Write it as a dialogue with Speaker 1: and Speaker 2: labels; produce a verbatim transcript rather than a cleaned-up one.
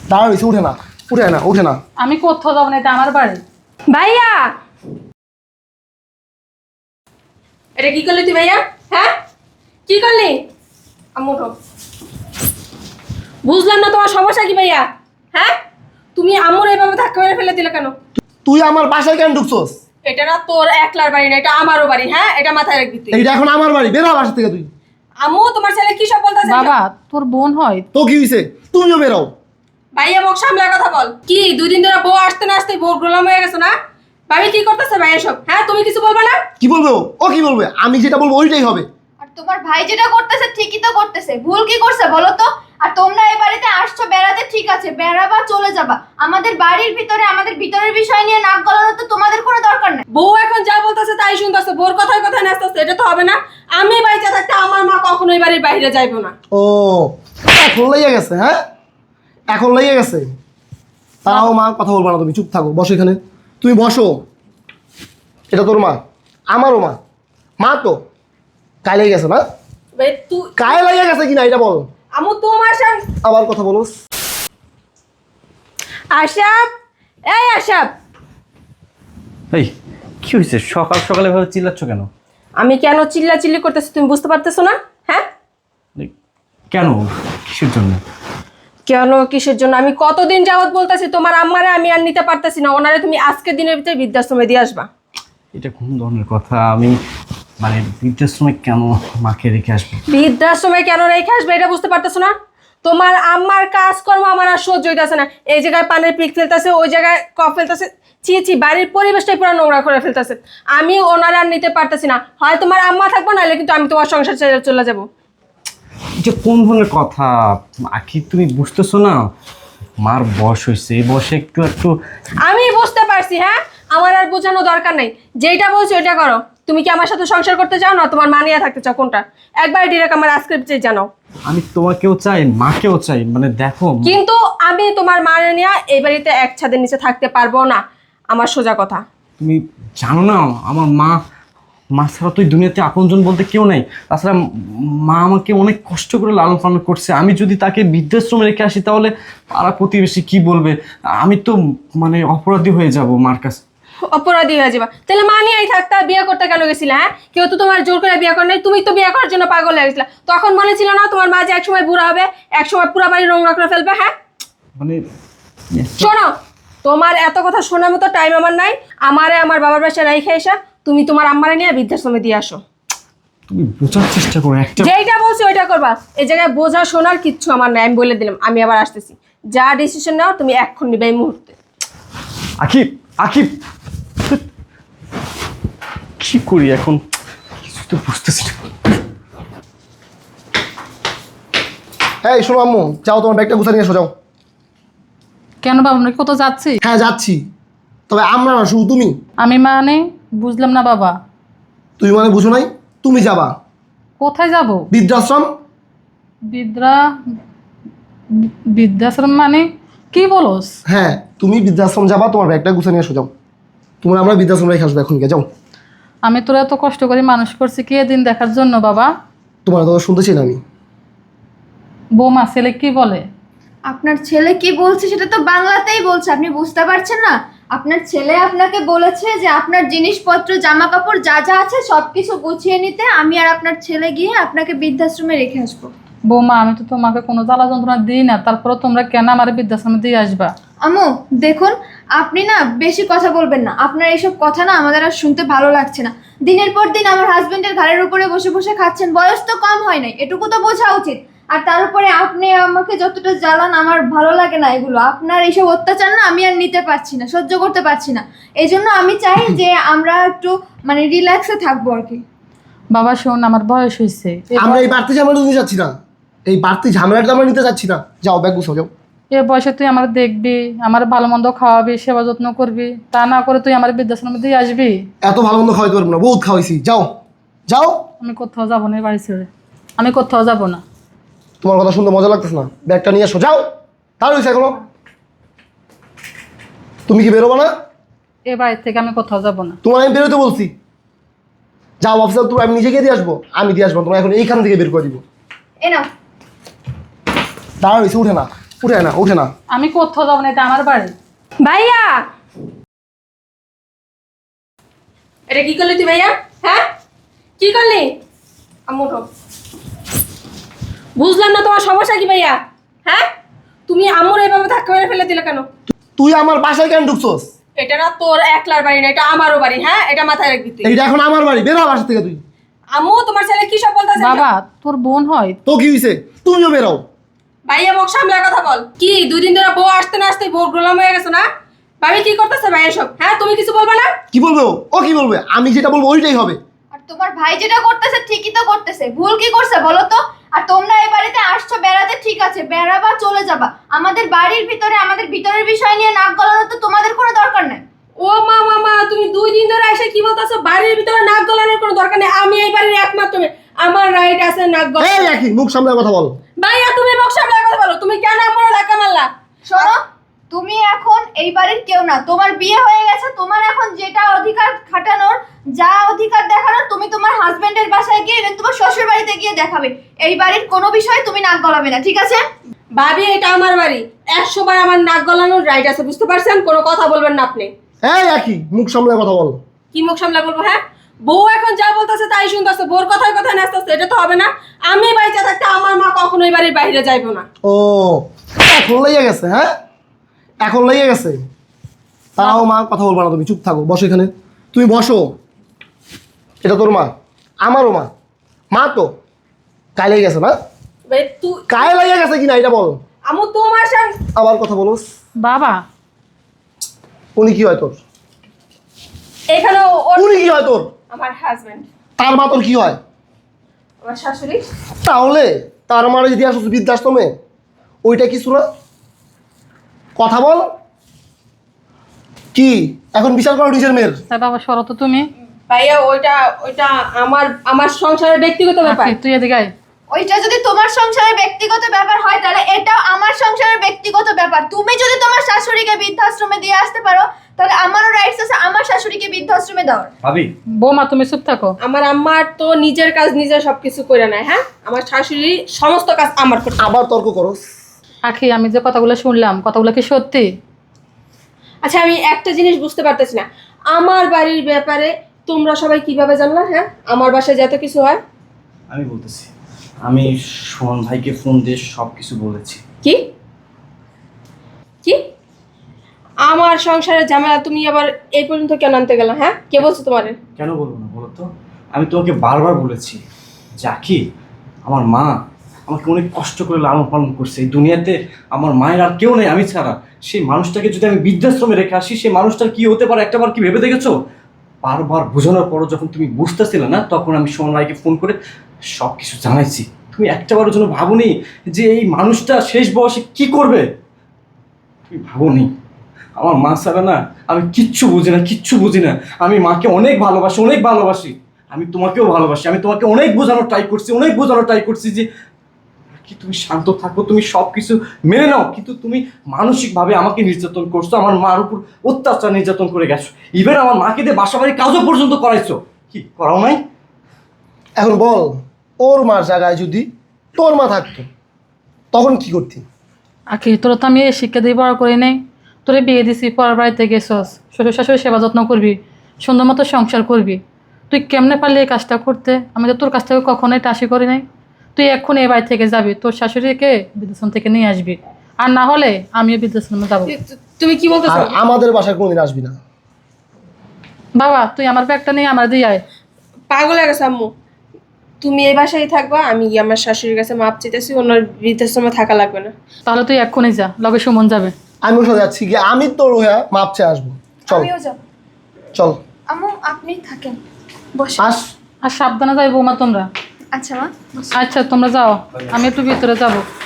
Speaker 1: দাঁড়া রয়েছে, উঠে না উঠে না উঠে না।
Speaker 2: আমি কোথাও যাবো না, এটা আমার বাড়ি।
Speaker 3: ভাইয়া এটা কি করলি তুই ভাইয়া? হ্যাঁ কি করলি? আম্মু উঠো। বুঝলাম না তোমার সমস্যা কি ভাইয়া? হ্যাঁ তুমি আম্মুর এইভাবে ধাক্কা মেরে ফেলে দিলে কেন?
Speaker 1: তুই আমার বাসায় কেন ঢুকছস?
Speaker 3: এটা না তোর একলার বাড়ি না, এটা আমারও বাড়ি। হ্যাঁ এটা মাথায় রাখবি তুই।
Speaker 1: এইটা এখন আমার বাড়ি, বের হ বাসা থেকে তুই।
Speaker 3: আম্মু তোমার ছেলে কি সব বলতেছে?
Speaker 2: বাবা তোর বোন হয়।
Speaker 1: তো কি হয়েছে? তুমিও বেরো।
Speaker 3: ভাইয়া মুখ সামলার কথা বল। কি দুই দিন ধরে বউ আসতে না আসতে বউ গোলাম হয়ে গেছে না? ভাবি কি করতেছে ভাইয়া সব? হ্যাঁ তুমি কিছু বলবে না?
Speaker 1: কি বলবে ও? ও কি বলবে? আমি যেটা বলবো ওইটাই হবে।
Speaker 4: আর তোমার ভাই যেটা করতেছে ঠিকই তো করতেছে, ভুল কি করছে বলো তো? আর তোমরা এই বাড়িতে আসছো বেড়াতে, ঠিক আছে বেড়াবা চলে যাবা, আমাদের বাড়ির ভিতরে আমাদের ভিতরের বিষয় নিয়ে নাক গলানো তো তোমাদের কোনো দরকার নাই।
Speaker 3: বউ এখন যা বলতেছে তাই শুনতেছে, বউর কথায় কথায় নাচতেছে, এটা তো হবে না। আমি বাড়িতে থাকতে আমার মা কখনোই বাড়ির বাইরে যাইবো না।
Speaker 1: ও এখন লেগে গেছে? হ্যাঁ এখন লেগে গেছে। তাও মা কথা বলবো না, তুমি চুপ থাকো, বসো এখানে। তুমি বসো। এটা তোর মা, আমারও মা। মা তো কায় লেগে গেছে না?
Speaker 3: ভাই তুই
Speaker 1: কায় লেগে গেছে কিনা এটা বল।
Speaker 3: আমু তোমার সঙ্গে
Speaker 1: আবার কথা বলো।
Speaker 3: আশাব, এই আশাব,
Speaker 5: এই কি হয়েছে? সকাল সকালে ভাবে চিল্লাচ্ছ কেন?
Speaker 3: আমি কেন চিল্লা চিল্লি করতেছি তুমি বুঝতে পারতেছো না? হ্যাঁ
Speaker 5: এই, কেন? কিসের জন্য?
Speaker 3: কেন কিসের জন্য? আমি কতদিন যাবত বলতেছি তোমার আম্মারে আমি আর নিতে পারতেছি না, ওনারে তুমি আজকে দিনের ভিতরে বৃদ্ধাশ্রমে দিয়ে আসবা।
Speaker 5: এটা কোন ধরনের কথা? আমি মানে বৃদ্ধাশ্রমে কেন মাকে রেখে আসবো?
Speaker 3: বৃদ্ধাশ্রমে কেন রেখে আসবে এটা বুঝতে পারতেছো না? তোমার আম্মার কাজকর্ম আমার আর সহ্য হইতেছে না। এই জায়গায় পানের পিক ফেলতেছে, ওই জায়গায় কফ ফেলতেছে, ছি ছি, বাড়ির পরিবেশটাই পুরো নোংরা করে ফেলতেছে। আমি ওনার আর নিতে পারতেছি না। হয় তোমার আম্মা থাকবো, নাহলে কিন্তু আমি তোমার সংসার ছেড়ে চলে যাবো।
Speaker 5: এটা কোন ধরনের কথা আখি? তুমি বুঝতেছো না? মার বয়স হয়েছে, এই বয়সে একটু একটু
Speaker 3: আমি বুঝতে পারছি। হ্যাঁ আমার আর বোঝানো দরকার নেই, যেটা বলছো ওইটা করো। তুমি কি আমার সাথে সংসার করতে চাও না তোমার মানিয়ে থাকতে চাও, কোনটা? একবার ডিরেক্ট আমার আজকে জানাও।
Speaker 5: আমি তোমাকেও চাই, মাকেও চাই, মানে দেখো।
Speaker 3: কিন্তু আমি তোমার মানিয়ে নিয়ে এই বাড়িতে এক ছাদের নিচে থাকতে পারবো না, আমার সোজা কথা।
Speaker 5: তুমি জানো না আমার মা, মা ছাড়া তো এই দুনিয়াতে আপনজন বলতে কেউ নাই। তাছাড়া মা আমাকে অনেক কষ্ট করে লালন পালন করছে। আমি যদি তাকে বৃদ্ধাশ্রমে রেখে আসি তাহলে পাড়া প্রতিবেশী কি বলবে? আমি তো মানে অপরাধী হয়ে যাব মার কাছে।
Speaker 3: অপরাধী হয়ে যাবা? তাহলে মানিয়েই থাকতে বিয়ে করতে কেন গেছিলে? হ্যাঁ কেউ তো তোমার জোর করে বিয়ে করে নাই, তুমি তো বিয়ে করার জন্য পাগল হয়ে গেছিলা। তখন মনে ছিল না তোমার মা যে একসময় বুড়া হবে, একসময় পুরো বাড়ি নোংরা করে ফেলবে? হ্যাঁ
Speaker 5: মানে
Speaker 3: শোনো, তোমার এত কথা শোনার মতো টাইম আমার নাই। আমারে আমার বাবার বাসায় রাইখে এসা তুমি তোমার আম্মারে নিয়ে বৃদ্ধাশ্রমে দিয়ে আসো।
Speaker 5: তুমি বোঝার চেষ্টা করো একটা।
Speaker 3: যেইটা বলছি ওইটা করবা। এই জায়গায় বোঝা শোনার কিচ্ছু আমার নাই, আমি বলে দিলাম। আমি আবার আসতেছি, যা ডিসিশন নাও তুমি এখন নিবে এই মুহূর্তে।
Speaker 5: আকিব, আকিব, কি করি এখন কিছু তো বুঝতেছি না।
Speaker 1: এই শোনো আম্মু, যাও তোমার ব্যাগটা গুছা নিয়ে এসো, যাও।
Speaker 2: কেন বাবা, আমরা কোথাও যাচ্ছি?
Speaker 1: হ্যাঁ যাচ্ছি, তবে আমরা না, শুধু তুমি।
Speaker 2: আমি মানে বুঝলাম না বাবা।
Speaker 1: তুমি মানে বুঝো নাই? তুমি যাবা
Speaker 2: কোথায় যাব?
Speaker 1: বৃদ্ধাশ্রম।
Speaker 2: বিদ্রা বৃদ্ধাশ্রম মানে কি বলস?
Speaker 1: হ্যাঁ তুমি বৃদ্ধাশ্রম যাবা, তোমার ব্যাগটা গুছা নিয়ে এসো, যাও। তোমার আমরা বৃদ্ধাশ্রম রেখে আসবো এখন, যাও।
Speaker 2: আমি তোরা এত কষ্ট করে মানুষ করছি কি এদিন দেখার জন্য বাবা?
Speaker 1: তোমার কথা শুনতেছি না আমি।
Speaker 2: বৌমা ছেলে কি বলে?
Speaker 4: আপনার ছেলে কি বলছে সেটা তো বাংলাতেই বলছে, আপনি বুঝতে পারছেন না? আপনার ছেলে আপনাকে বলেছে যে আপনার জিনিসপত্র জামা কাপড় যা যা আছে সব কিছু গুছিয়ে নিতে, আমি আর আপনার ছেলে গিয়ে আপনাকে বৃদ্ধাশ্রমে রেখে আসবো।
Speaker 2: বৌমা আমি তো তোমাকে কোনো জ্বালা যন্ত্রণা দিই না, তারপরে তোমরা কেন আমার বৃদ্ধাশ্রমে দিয়ে আসবা?
Speaker 4: আম্মু দেখুন, আপনি না বেশি কথা বলবেন না। আপনার এইসব কথা না আমাদের আর শুনতে ভালো লাগছে না। দিনের পর দিন আমার হাজবেন্ডের ঘাড়ের উপরে বসে বসে খাচ্ছেন, বয়স তো কম হয় নাই, এটুকু তো বোঝা উচিত। আর তার উপরে আপনি আমাকে যতটা জ্বালান আমার ভালো লাগে না এগুলো। আপনার এইসব অত্যাচার না আমি আর নিতে পারছি না, সহ্য করতে পারছি না। এই জন্য আমি চাই যে আমরা একটু মানে রিল্যাক্সে থাকবো আর কি।
Speaker 2: বাবা শোন, আমার বয়স হয়েছে,
Speaker 1: আমরা এই বাড়তি ঝামেলাটা নিতে চাচ্ছি না, এই বাড়তি ঝামেলাটা আমরা নিতে চাচ্ছি না। যাও ব্যাগ গুছাও, যাও।
Speaker 2: এ বয়সে তুই আমার দেখবি, আমার ভালো মন্দ খাওয়াবি, সেবা যত্ন করবি, তা না করে তুই আমার বৃদ্ধাশ্রমে দিয়ে আসবি?
Speaker 1: এত ভালো মন্দ খাওয়াইতে পারবো না, বহুত খাওয়াইছি। যাও যাও।
Speaker 2: আমি কোথাও যাবো না এই বাড়ি ছেড়ে, আমি কোথাও যাবো না।
Speaker 1: তোমার কথা শুনতে মজা লাগতেছে না, ব্যাগটা নিয়ে এসো, যাও। তার হয়েছে এখনো? তুমি কি বেরোবা না?
Speaker 2: এ বাড়ি থেকে আমি কোথাও যাবো না।
Speaker 1: তোমার আমি বেরোতে বলছি। যাও অফিসার, তুমি আমি নিজে গিয়ে দিয়ে আসবো, আমি দিয়ে আসবো। তোমার এখন এইখান থেকে বের করে দিব।
Speaker 4: এ নাও।
Speaker 1: দাঁড়া হয়েছে, উঠে না উঠে না উঠে না।
Speaker 2: আমি কোথাও যাবো না, এটা আমার বাড়ি।
Speaker 3: ভাইয়া, এটা কি করলি তুই ভাইয়া? হ্যাঁ, কি করলি? আম্মু উঠো। বুঝলাম না তোমার সমস্যা কি ভাইয়া? হ্যাঁ, তুমি আম্মুর এইভাবে ধাক্কা মেরে ফেলে দিলে কেন?
Speaker 1: তুই আমার বাসায় কেন ঢুকছস?
Speaker 3: এটা না তোর একলার বাড়ি না, এটা আমারও বাড়ি। হ্যাঁ, এটা মাথায় রাখবি তুই।
Speaker 1: এইটা এখন আমার বাড়ি, বের হ বাসা থেকে তুই।
Speaker 3: আম্মু, তোমার ছেলে কি সব বলতেছে?
Speaker 2: বাবা, তোর বোন হয়।
Speaker 1: তো কি হয়েছে? তুমিও বেরাও।
Speaker 3: ভাইয়া মুখ সামলে কথা বল। কি দুই দিন ধরে বউ আসতে না আসতে বউ গোলাম হয়ে গেছে না? ভাবি কি করতেছে ভাইয়া সব? হ্যাঁ, তুমি কিছু বলবে না?
Speaker 1: কি বলবে ও? ও কি বলবে? আমি যেটা বলবো ওইটাই হবে।
Speaker 4: আর তোমার ভাই যেটা করতেছে ঠিকই তো করতেছে, ভুল কি করছে বলো তো? আর তোমরা এই বাড়িতে আসছো বেড়াতে, ঠিক আছে, বেড়াবা, চলে যাবা। আমাদের বাড়ির ভিতরে আমাদের ভিতরের বিষয় নিয়ে নাক গলানো তো তোমাদের কোনো দরকার নেই।
Speaker 3: ও মা মামা, তুমি দুই দিন ধরে এসে কি বলতেছো? বাড়ির ভিতরে নাক গলানোর কোনো দরকার নেই। আমি এই বাড়ির একমাত্র মেয়ে, আমার রাইট আছে নাক
Speaker 1: এই
Speaker 3: গলানোর।
Speaker 1: রাখি, মুখ সামলে কথা বল।
Speaker 3: ভাইয়া, তুমি মুখ সামলে কথা বলো। তুমি কেন আমার ধাক্কা মারলা?
Speaker 4: শোনো, তুমি এখন এই বাড়ির কেউ না, তোমার বিয়ে হয়ে গেছে। তোমার এখন যেটা অধিকার খাটানোর, যা অধিকার দেখানোর, তুমি তোমার হাজবেন্ডের বাসায় গিয়ে এবং তোমার শ্বশুর বাড়িতে গিয়ে দেখাবে। এই বাড়ির কোনো বিষয়ে তুমি নাক গলাবে না, ঠিক আছে?
Speaker 3: ভাবি, এটা আমার বাড়ি, একশো বার আমার নাক গলানোর রাইট আছে, বুঝতে পারছেন? কোনো কথা বলবেন না আপনি।
Speaker 1: এই রাখি, মুখ সামলে কথা বল।
Speaker 3: কি মুখ সামলে বলবো? হ্যাঁ, বউ এখন যা বলতেছে তাই শুনতেছে, বউর কথায় কথায় নাচতেছে, এটা তো হবে না। আমি বাড়িতে থাকতে আমার মা কখনো এই বাড়ির বাইরে যাইবো না।
Speaker 1: ও, এখন লেগে গেছে? হ্যাঁ, এখন লেগে গেছে। তারাও মা, কথা বলবো না তুমি, চুপ থাকো, বসো এখানে। তুমি বসো। এটা তোর মা, আমারও মা। মা তো গায়ে লেগে গেছে না?
Speaker 3: ভাই তুই,
Speaker 1: গায়ে লেগে গেছে কিনা এটা বল।
Speaker 3: আমু তোমার সঙ্গে
Speaker 1: আবার কথা বলোস।
Speaker 2: বাবা,
Speaker 1: উনি কি হয় তোর?
Speaker 3: এখানে ওর
Speaker 1: উনি কি হয় তোর?
Speaker 3: আমার হাজবেন্ড,
Speaker 1: তার মা তোর কি হয়?
Speaker 3: আমার শাশুড়ি।
Speaker 1: তাহলে তার মারে যদি আসো বৃদ্ধাশ্রমে, ওইটা কিছু না? কথা বল। কি এখন বিচার করো নিজের মেয়ের?
Speaker 2: তাই বাবা, সরো তো তুমি।
Speaker 3: ভাইয়া, ওইটা ওইটা আমার আমার সংসারের ব্যক্তিগত ব্যাপার।
Speaker 2: আখি, তুই এদিকে আয়।
Speaker 4: ওইটা যদি তোমার সংসারের ব্যক্তিগত ব্যাপার হয়, তাহলে এটাও আমার সংসারের ব্যক্তিগত ব্যাপার। তুমি যদি তোমার শাশুড়িকে বৃদ্ধাশ্রমে দিয়ে আসতে পারো, তাহলে আমারও রাইটস আছে আমার শাশুড়িকে বৃদ্ধাশ্রমে দেওয়ার।
Speaker 5: ভাবি,
Speaker 2: বৌমা, তুমি চুপ থাকো।
Speaker 3: আমার আম্মার তো নিজের কাজ নিজে সবকিছু করে নেয়। হ্যাঁ, আমার শাশুড়ি সমস্ত কাজ আমার করতে।
Speaker 1: আবার তর্ক করস?
Speaker 2: আখি, আমি যে কথাগুলো শুনলাম, কথাগুলো কি সত্যি?
Speaker 3: আচ্ছা, আমি একটা জিনিস বুঝতে পারতেছি না, আমার বাড়ির ব্যাপারে তোমরা সবাই কিভাবে জানলা? হ্যাঁ, আমার বাসায় যত কিছু হয়।
Speaker 5: আমি বলতেছি, আমি সুমন ভাইকে ফোন দিয়ে সব কিছু বলেছি।
Speaker 3: কি কি আমার সংসারের ঝামেলা তুমি আবার এই পর্যন্ত কেন আনতে গেলা? হ্যাঁ, কে বলছো তোমারে?
Speaker 5: কেন বলবো না বলো তো? আমি তোমাকে বারবার বলেছি, জাকি আমার মা আমাকে অনেক কষ্ট করে লালন পালন করছে। এই দুনিয়াতে আমার মায়ের আর কেউ নেই আমি ছাড়া। সেই মানুষটাকে যদি আমি বৃদ্ধাশ্রমে রেখে আসি, সেই মানুষটার কি হতে পারে একটাবার কি ভেবে দেখেছো? বারবার বোঝানোর পরও যখন তুমি বুঝতেছিলে না, তখন আমি সুমন ভাইকে ফোন করে সব কিছু জানাইছি। তুমি একটাবারের জন্য ভাবোনি যে এই মানুষটা শেষ বয়সে কি করবে? তুমি ভাবোনি? আমার মা ছাড়া না আমি কিচ্ছু বুঝি না, কিচ্ছু বুঝি না। আমি মাকে অনেক ভালোবাসি, অনেক ভালোবাসি। আমি তোমাকেও ভালোবাসি। আমি তোমাকে অনেক বোঝানোর ট্রাই করছি, অনেক বোঝানোর ট্রাই করছি যে কি তুমি শান্ত থাকো, তুমি সব কিছু মেনে নাও। কিন্তু তুমি মানসিকভাবে আমাকে নির্যাতন করছো, আমার মার উপর অত্যাচার নির্যাতন করে গেছো। ইভেন আমার মাকে দিয়ে বাসা বাড়ির কাজও পর্যন্ত করাইছো। কি করাও নাই?
Speaker 1: এখন বল, ওর মার জায়গায় যদি তোর মা থাকতো, তখন কি করতি?
Speaker 2: আখি, তোরা তো আমি এই শিক্ষা দিয়ে বড় করে নেই। তোরে বিয়ে দিছি, পরের বাড়িতে গেছস, শ্বশুর শাশুড়ি সেবা যত্ন করবি, সুন্দর মতো সংসার করবি। তুই কেমনে পারলি এই কাজটা করতে? আমি তো তোর কাছ থেকে কখনোই এটা আশা করি নাই। তুই এখন এই বাড়ি থেকে যাবি, তোর শাশুড়িকে বৃদ্ধাশ্রম থেকে নিয়ে আসবি, আর না হলে আমিও বৃদ্ধাশ্রমে যাবো।
Speaker 3: তুমি কি বলতেছো?
Speaker 1: আর আমাদের বাসায় কোনোদিন আসবি না।
Speaker 2: বাবা, তুই আমার ব্যাগটা নিয়ে আমার দিয়ে আয়।
Speaker 3: পাগল হয়ে গেছে আম্মু। তুমি এই বাসায় থাকবা, আমি গিয়ে আমার শাশুড়ির কাছে মাপ চাইতেছি, অন্য বৃদ্ধাশ্রমে থাকা লাগবে না।
Speaker 2: তাহলে তুই এক্ষুনি যা, লগে সুমন যাবে।
Speaker 1: আমি ওর সাথে যাচ্ছি, গিয়ে আমি তোর হয়ে মাপ চেয়ে আসবো। চল
Speaker 4: আমিও যাব।
Speaker 1: চল
Speaker 4: আম্মু, আপনি থাকেন, বসে।
Speaker 1: আস।
Speaker 2: আর সাবধানে যাই বৌমা তোমরা।
Speaker 4: আচ্ছা মা, বসো।
Speaker 2: আচ্ছা, তোমরা যাও, আমি একটু ভিতরে যাবো।